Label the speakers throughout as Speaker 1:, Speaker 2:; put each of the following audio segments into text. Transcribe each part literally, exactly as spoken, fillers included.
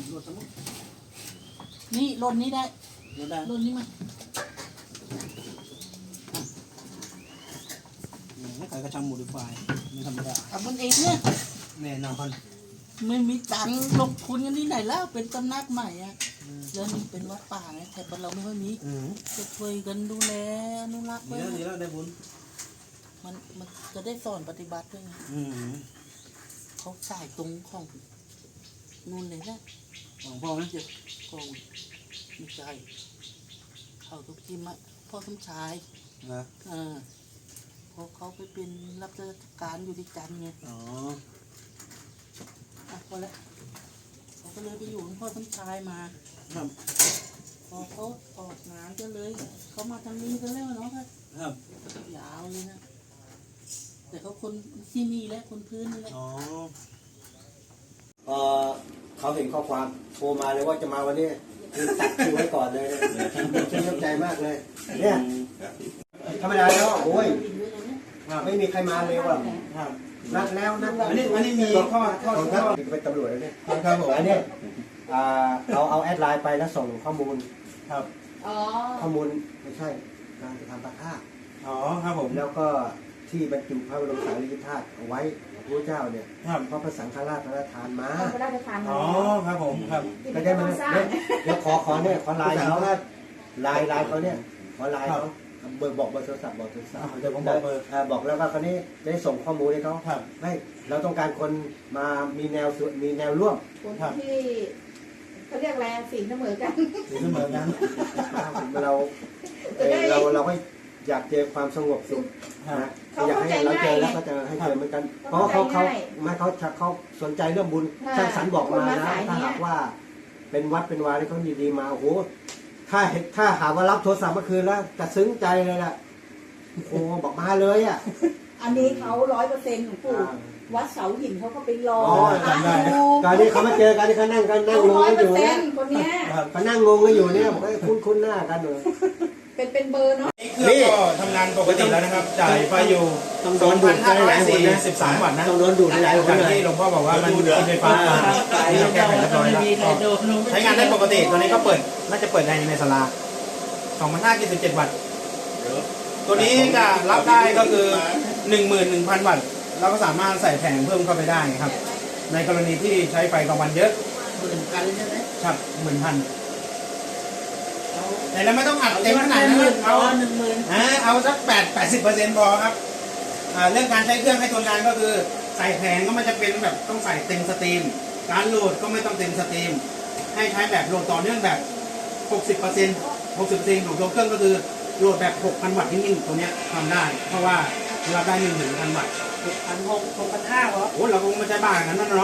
Speaker 1: รถสมุด
Speaker 2: นี่รถนี้ได้
Speaker 1: รถได้
Speaker 2: รถนี้มา
Speaker 1: ไม่ขายกระชังโมดิฟายไม่ธรรมดา
Speaker 2: ทำมันเองเนี่ย
Speaker 1: แน่นอน
Speaker 2: ไม่มีตังค์ลงทุนกันที่ไหนแล้วเป็นตำนักใหม่อะแล้วนี่เป็นวัดป่าไงแต่บ้านเราไม่ค่อยมี
Speaker 1: อืม
Speaker 2: จะช่วยกันดูแลอนุรักษ์
Speaker 1: ดี
Speaker 2: ไว้
Speaker 1: แล้วดีแล้วได้บุญ
Speaker 2: มันมันจะได้สอนปฏิบัติด้วยไง
Speaker 1: อืม
Speaker 2: เขาสายตรงของนู่นเลยนะ
Speaker 1: ของพ่อไหม
Speaker 2: เดี๋ยวกองไม่ใช่เขาทุกทีมอะพ่อสมชาย
Speaker 1: นะ
Speaker 2: เออเพราะเขาไปเป็นรับราชการอยู่ที่จันทร์ไง
Speaker 1: อ๋อ
Speaker 2: อ่ะพอแล้วเขาก็เลยไปอยู่กับพ่อสมชายมา
Speaker 1: ครับ
Speaker 2: พอเขาออกงานก็เลยเขามาทางนี้กันแล้วเนาะครับ
Speaker 1: ครับ
Speaker 2: ยาวเลยนะแต่เขาคนที่นี่แหละคนพื้นนี่แหละ
Speaker 1: อ๋อ
Speaker 3: เออเขาเห็นข้อความโทรมาเลยว่าจะมาวันนี้คือตัดคิวไว้ก่อนเลยเนี่ยชื่นใจมากเลยเนี่ยธรรมดาแล้วโอ้ยไม่มีใครมาเลยว่ะ
Speaker 1: ครับ
Speaker 3: นัดแล้วนัดแล้ว
Speaker 1: อันนี้อันนี้มีข้อข้อ
Speaker 3: ของ
Speaker 1: ข้
Speaker 3: ท่าน
Speaker 1: อ
Speaker 3: เป็นตำรวจแล้วเนี่ย
Speaker 1: ครับผม
Speaker 3: อันนี้อ่าเอาเอาแอดไลน์ไปแล้วส่งข้อมูล
Speaker 1: ครับ
Speaker 4: อ๋อ
Speaker 3: ข้อมูลไม่ใช่การจะทำพระธาตุ
Speaker 1: อ๋อครับผม
Speaker 3: แล้วก็ที่บรรจุพระบรมสารีริกธาตุเอาไว้พระพุทธเจ้าเนี่ย
Speaker 1: ครับ
Speaker 3: เพราะพระสังฆราชพระราชทานมา
Speaker 4: เอาพระราชทานมา
Speaker 1: อ๋อครับผมครับ
Speaker 3: ก็ได้มาเนี่ยเดี๋ยวขอขอเนี่ยขอไลน์เขาไลน์ไลน์เขาเนี่ยขอไลน์เขาเบอร์บอกเบอร์โทรศัพท์บอกโทรศัพท์
Speaker 1: เดี๋ยวผมบอกเบอร์
Speaker 3: าบอกแล้วว่าเขานี้ได้ส่งข้อมูลให้เขา
Speaker 1: ครับ
Speaker 3: ไม่เราต้องการคนมามีแนวสุมีแนวร่วม
Speaker 4: คนที่เขาเรียกอะไรสีเสมอกัน
Speaker 1: ถึงเสมอกัน
Speaker 3: เราเอ่อเราเราก็อยากเจอความสงบสุข
Speaker 1: ครับ
Speaker 3: นะอยากให้เราเจอแล้วก็จะให้เจอเหมือนกัน เพราะเขาเขาไม่เขาเขาสนใจเรื่องบุญช่างสรรบอกมานะถ้าหากว่าเป็นวัดเป็นวาที่เขาดีๆมาโอ้โหถ้าถ้าหาว่ารับโทรศัพท์เมื่อคืนแล้วจะซึ้งใจเลยล่ะโอ้บอกมาเลยอ่ะ
Speaker 4: อันนี้เขาร้อยเปอร์เซ็นต์ของปู่วัดเสาหินเขาก็ไปรอ
Speaker 3: อ๋อจำได้ การที่เขามาเจอกันที่เขานั่งกันนั่ง
Speaker 4: เขา
Speaker 3: งง
Speaker 4: ร้อย
Speaker 3: กัน
Speaker 4: เป
Speaker 3: อ
Speaker 4: อร์
Speaker 3: ยู่
Speaker 4: เซ็
Speaker 3: เนี่ย
Speaker 4: นต์คนเนี้ย
Speaker 3: เขานั่งงงกันอยู่เนี่ยบอกให้คุ้นคุ้นหน้ากันเลย
Speaker 4: เป็นเป็นเบอร์เนาะ
Speaker 1: เครื่องก็ทำงานปกติแล้วนะครับ จ่ายไฟอยู่
Speaker 3: ต้องโดนดูดไปหลายคนนะ
Speaker 1: สิบสามวัตต์นะ
Speaker 3: ต้องโดนดูดไปหลายคน
Speaker 1: จาก
Speaker 3: เลย
Speaker 1: ที่หลวงพ่อบอกว่ามันกินไฟฟ้ามาที่เราแก้ไขเรียบร้อยแล้วใช้งานได้ปกติตัวนี้ก็เปิดน่าจะเปิดในในศาลาสองพันห้าร้อยยี่สิบเจ็ดวัตต์ตัวนี้จะรับได้ก็คือ หนึ่งหมื่นหนึ่งพัน วัตต์เราก็สามารถใส่แผงเพิ่มเข้าไปได้ครับ ในกรณีที่ใช้ไฟกลางวันเยอะ
Speaker 2: หมื่นกันใช่ไหม
Speaker 1: ครับหมื่นพันแต่เราไม่ต้องอัดเต็มขนาด
Speaker 2: ห
Speaker 1: นั้น
Speaker 2: มื่น
Speaker 1: เอา
Speaker 2: หนึ่งหมื่น
Speaker 1: อ่าเอาสักแปดแปดสิบเปอร์เซ็นต์พอครับอ่าเรื่องการใช้เครื่องให้ทนทานก็คือใส่แผงก็ไม่จะเป็นแบบต้องใส่เต็มสตรีมการโหลดก็ไม่ต้องเต็มสตรีมให้ใช้แบบโหลดต่อเนื่องแบบหกสิบเปอร์เซ็นต์หกสิบเปอร์เซ็นต์ของตัวเครื่องก็คือโหลดแบบหกพันวัตต์นิ่งๆตัวเนี้ยทำได้เพราะว่าเราได้หนึ่งถึงพันวัตต์
Speaker 2: หกพันหกหกพันห้าเหรอ
Speaker 1: โอ้เราคงไม่ใช่บ้ากันนั่นเนาะ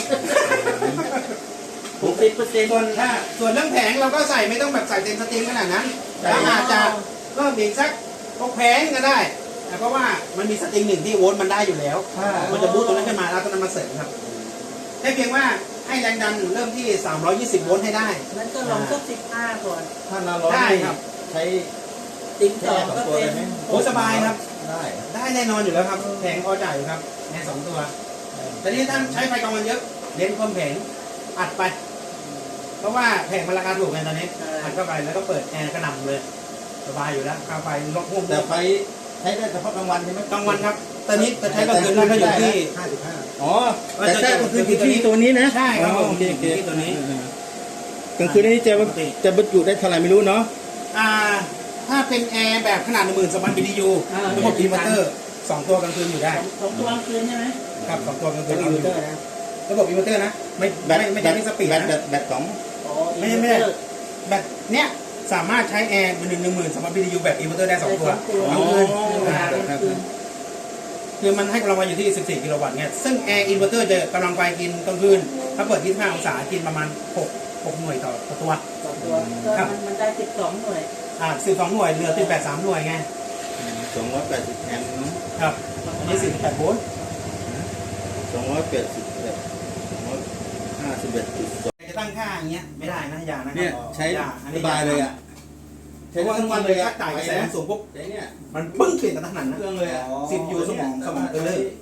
Speaker 2: หกสิบเปอร์เซ็นต์
Speaker 1: ส่วนถ้าส่วนเรื่องแผงเราก็ใส่ไม่ต้องแบบใส่เต็มสตรีมขนาดนั้นเราอาจจะเพิ่มอีกสักหกแผงก็ได้แต่เพราะว่ามันมีสตริงหนึ่งที่โวลต์มันได้อยู่แล้วมันจะบูตตัวนั้นขึ้นมาแล้วตัวนั้นมาเสริมครับแค่เพียงว่าให้แรงดันเริ่มที่สามร้อยยี่สิบโวลต์ให้ได้
Speaker 2: นั้นก็ลองสักสิบห้าก่อน
Speaker 5: ถ้าเราร้อน
Speaker 1: ได้ครับ
Speaker 5: ใช้
Speaker 2: ติ่งสองก็เป็น
Speaker 1: โอ้สบายครับ
Speaker 5: ได้
Speaker 1: ได้แน่นอนอยู่แล้วครับแผงพอจ่ายอยู่ครับแค่สองตัวแต่นี่ท่านใช้ไฟกลางวันเยอะเน้นเพิ่มแผงอัดไป เพราะว่าแผงมันราคาถูกไงตอนนี้อัดเข้าไปแล้วก็เปิดแอร์กระหน่ำเลยสบายอยู่แล้วค่าไฟลดห่วง
Speaker 5: แต่ไฟใช้ได้เฉพาะกลางวันใช่ไหม
Speaker 1: กลางวันครับตอนนี้จะใช้กลางคืนได้ก็อยู่ที่
Speaker 3: ห้าสิบห้า
Speaker 5: อ๋อแต่ใช่ก็คืออยู่ที่ตัวนี้นะ
Speaker 1: ใช่ครับผม
Speaker 5: โอเคโอเค
Speaker 1: ที่ตัวนี้
Speaker 5: กลางคืนนี้จะจะบรรจุได้เท่าไหร่ไม่รู้เนาะ
Speaker 1: อ่าถ้าเป็นแอร์แบบขนาดหนึ่งหมื่นสองพันบีทียูระบบอินเวอร์เตอร์สองตัวกลางคืนอยู่ได้
Speaker 2: สองตัวกลางคืนใช่ไหม
Speaker 1: ครับสองตัวกลางคื
Speaker 3: เป็น น
Speaker 1: อ
Speaker 3: อิน
Speaker 1: ยู่
Speaker 3: เวอร์เตอร์นะ
Speaker 1: ระบบอินเวอร์เตอร์นะไม่
Speaker 5: แบต
Speaker 1: ไม่ไม่ใช่ที่สปีด
Speaker 5: แบต
Speaker 1: นะ
Speaker 5: แบตแบตสอง
Speaker 2: อ๋อ
Speaker 1: ไม่ใช่ไม่ใช่แบตเนี้ยสามารถใช้แอร์เป็นหนึ่งหนึ่งหมื่นสองพันบีทียูแบบอินเวอร์เตอร์ได้สองตัว
Speaker 2: กลางคืนเวลากลางคืน
Speaker 1: คือมันให้กำลังไฟอยู่ที่สิบสี่กิโลวัตต์เนี่ยซึ่งแอร์อินเวอร์เตอร์จะกำลังไฟกินกลางคืนถ้าเปิดยี่สิบห้าองศากินประมาณหก หกหน่วยต่อต่อตัว
Speaker 2: สองตัวก็มันมันได้สิบสองหน่วย
Speaker 1: อ่าสิบสองหน่วยเหลือสิบแปดสามหน่วยไง
Speaker 5: สองร้อยแปดสิบแอมป์เนาะ
Speaker 1: ครับอันนี้สี่สิบแปดโวลต์
Speaker 5: สองร้อยแปดสิบแปดสองร้อยห้าสิบเอ็ดจุดสอง
Speaker 1: จะตั้งค่าอย่างเงี้ยไม่ได้นะอย่านะครั
Speaker 5: เนี่ยใช้
Speaker 1: อย่อัน
Speaker 5: ส
Speaker 1: นี้
Speaker 5: บายเลยอ่ะ
Speaker 1: เพราะว่าทั้งวันเลยถ้าจ่ายกระแสสูงปุ๊บ
Speaker 5: ใช้เนี่ย
Speaker 1: มันปึ้งเปลี่ยนกับทหารนะ
Speaker 5: เครื่องเลยอ่ะ
Speaker 1: สิบยูสมองสมองไปเลย
Speaker 5: ใ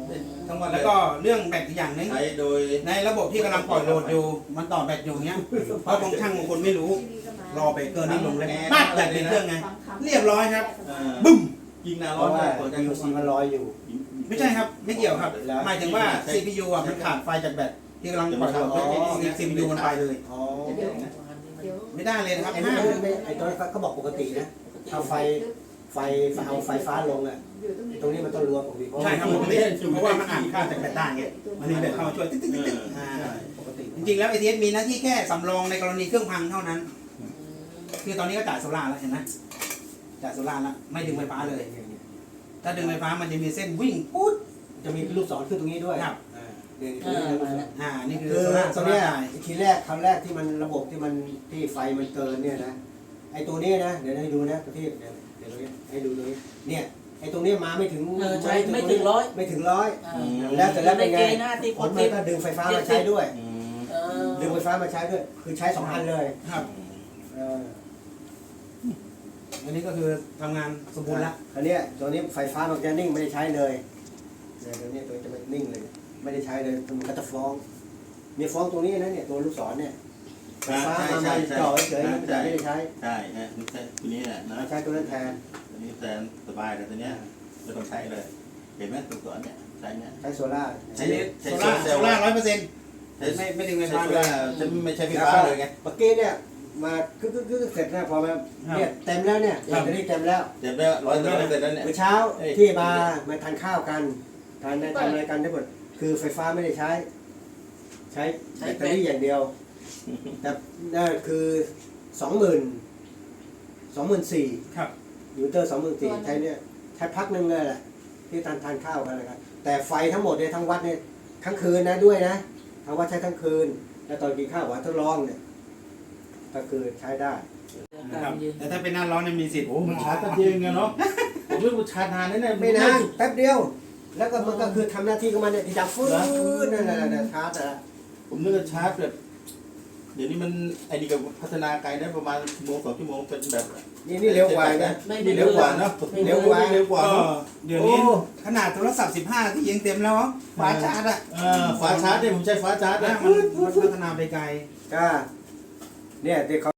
Speaker 5: ทั้งวัน
Speaker 1: แล้วก็เรื่องแบตอีกอย่างหนึง
Speaker 5: ใช้โดย
Speaker 1: ในระบบที่กำลังปล่อยโหลดอยู่ มันต่อแบตอยู่เนี้ยเพราะบางช่างบางคนไม่รู้ รอไปเกินนิดลงเลยปั๊บแบตติดเครื่องไง เรียบร้อยครับ
Speaker 5: เอ่อ
Speaker 1: บึ้ม
Speaker 5: ยิงนา
Speaker 3: เพ
Speaker 5: ร้อน
Speaker 3: ราะว่า
Speaker 5: ได้ผล
Speaker 3: ยูซีมันลอยอยู่
Speaker 1: ไม่ใช่ครับ ไม่เกี่ยวครับ หมายถึงว่า ซี พี ยู อ่ะมันขาดไฟจากแบตที่กำลังปล่อยโหลด
Speaker 3: อ๋อ
Speaker 1: ซี พี ยู มันไปเลย
Speaker 3: อ๋อ
Speaker 4: เดี๋ยวเดี๋ยว
Speaker 1: ไม่ได้เลยนะครับ
Speaker 3: ไอ้
Speaker 1: ห้า
Speaker 3: นี่
Speaker 1: ม
Speaker 3: ไม่ไอ้ตอนนั้นเขาบอกปกตินะถ้าไฟไฟเอาไฟฟ้าลงอ่ะ
Speaker 4: อยู่ตรงนี้
Speaker 3: ตรงนี้มันต้องรวมปกติเพราะ
Speaker 1: ใช่ครับปกติเพราะว่ามันอ่านค่าจากแบตได้ไงมันมีแบตเข้ามาช่วยติ๊กติ๊กติ๊กติ๊กอ่า
Speaker 3: ปกติ
Speaker 1: จริงๆแล้ว เอ ที เอส มีหน้าที่แค่สำรองในกรณีเครื่องพังเท่านั้น คือตอนนี้ก็จ่ายโซล่าร์แล้วเห็นไหมจ่ายโซล่าร์แล้วไม่ดึงไฟฟ้าเลย ถ้าดึงไฟฟ้ามันจะมีเส้นวิ่งปุ๊ด
Speaker 3: จะมีลูกศรขึ้นตรงนี้ด้วย
Speaker 1: ครับ
Speaker 3: อ่าเดี๋ยว
Speaker 2: เออมาแล้ว
Speaker 1: อ่านี่คือ
Speaker 3: คือ
Speaker 1: โซล่าร์
Speaker 3: ต
Speaker 1: โซ
Speaker 3: รง
Speaker 1: ล่า
Speaker 3: เนี้ย
Speaker 1: ร์จ่าย
Speaker 3: ทีแรกครั้งแรกที่มันระบบที่มันที่ไฟมันเกินเนี่ยนะไอ้ตัวนี้นะเดี๋ยวให้ดูนะประเทศเดี๋ยวเดี๋ยวตรงนี้ให้ดูตรงนี้เนี่ยไอ้ตรงนี้มาไม่ถึง
Speaker 2: เออใช่ไม่ถึงร้อย
Speaker 3: ไม่ถึงร้อย
Speaker 2: อ่า
Speaker 3: แล้วแต่แล้วเป็นไง
Speaker 2: ในเกณฑ์ห้าสิบ
Speaker 3: ผลมันก็ดึงไฟฟ้ามาใช้ด้วย
Speaker 5: อืม
Speaker 2: เออ
Speaker 3: ดึงไฟฟ้ามาใช้ด้วย คือใช้สองอันเลย
Speaker 1: ครับ
Speaker 3: เออ
Speaker 1: อันนี้ก็คือทำงานสมบูรณ์แล้ว
Speaker 3: อันเนี้ยตัวนี้ไฟฟ้ามันจะนิ่งไม่ได้ใช้เลยเนี่ยตัวนี้ตัวนี้จะไม่นิ่งเลย ไม่ได้ใช้เลยมันก็จะฟ้องมีฟ้องตรงนี้นะเนี่ยตัวลูกศรเนี่ยไฟฟ้ามามาจ่อเฉยๆมันจะไม่ได้ใช้
Speaker 5: ใช่ฮะไม่ใช่ตัวนี้แหละนะ
Speaker 3: มาใช้ตัวนั้นแทน
Speaker 5: ตัวนี้แทนสบายแต่ตัวเนี้ยไม่ต้องใช้เลย เห็นไหมตัวสอนเนี่ยใช้เนี่ย
Speaker 3: ใช้โซล่าร์
Speaker 5: ใช้
Speaker 1: โซล่าร์โซล่าร้อยเปอร์เซ็นต์
Speaker 5: ใช้
Speaker 1: ไม่ไม่ดึงไฟ
Speaker 5: ใช้
Speaker 1: ฟ้า
Speaker 5: โซ
Speaker 1: เล
Speaker 5: ล่าย จะไม่ใช้ไฟฟ้าเลยไง
Speaker 3: เมื่อกี้เนี่ยมาคึกคึกเสร็จนะพอมาเนี่ยเต็มแล้วเนี่ย
Speaker 1: ครับ
Speaker 3: เดี๋ยวนี้เต็มแล้ว
Speaker 5: เดี๋ยวได้ร้อยเปอร์เซ็นต์แล้วเนี่ย
Speaker 3: เมื่อเช้า
Speaker 5: เอ้ย
Speaker 3: ที่มามาทานข้าวกันทานทำอะไรกันทั้งหมดคือไฟฟ้าไม่ได้ใช้ ใช้แบตเตอรี่อย่างเดียว แต่นั่นคือสองหมื่นสองหมื่นสี่
Speaker 1: ครับ
Speaker 3: ยูเตอร์สองหมื่นสี่ใช้เนี่ยใช้พักหนึ่งเลยแหละที่ทานทานข้าวกันเลยครับแต่ไฟทั้งหมดเนี่ยทั้งวัดเนี่ยทั้งคืนนะด้วยนะทั้งวัดใช้ทั้งคืน แล้วตอนกินข้าวหวานทดลองเนี่ยก็คือใช้ได้
Speaker 1: นะครับแต่ถ้าเป็นหน้าร้อนเนี่ยมีสิทธิ์
Speaker 5: โอ้มันชาร์จแป๊บเดียวเองอะเนาะผมไม่รู้ชาร์จนานแน่ๆ
Speaker 3: ไม่นานแป๊บเดียว แล้วก็มันก็คือทำหน้าที่ของมันเนี่ยที่จะฟื้นนั่นแหละนั่นชาร์จอะ
Speaker 5: ผมนึกว่าชาร์จแบบเดี๋ยวนี้มันไอ้นี่ก็พัฒนาไกลได้ประมาณชั่วโมงสองชั่วโมงเป็นแบบ
Speaker 3: นี่นี่เร็วกว่านะ
Speaker 5: นี่เร็วกว่าเนาะ
Speaker 3: เร็วกว่า
Speaker 5: เร็วกว่า
Speaker 1: ก็
Speaker 5: เนาะ
Speaker 1: เดี๋ยวนี้ขนาดโทรศัพท์สิบห้าที่ยังเต็มแล้วฟ้าชาร์จอ่ะ
Speaker 5: เออฟ้าชาร์จเนี่ยผมใช้ฟ้าชาร์จ
Speaker 1: นะ
Speaker 5: นะ
Speaker 1: มันมันพัฒนาไปไกล
Speaker 3: ก็เนี่ยเด็กเขา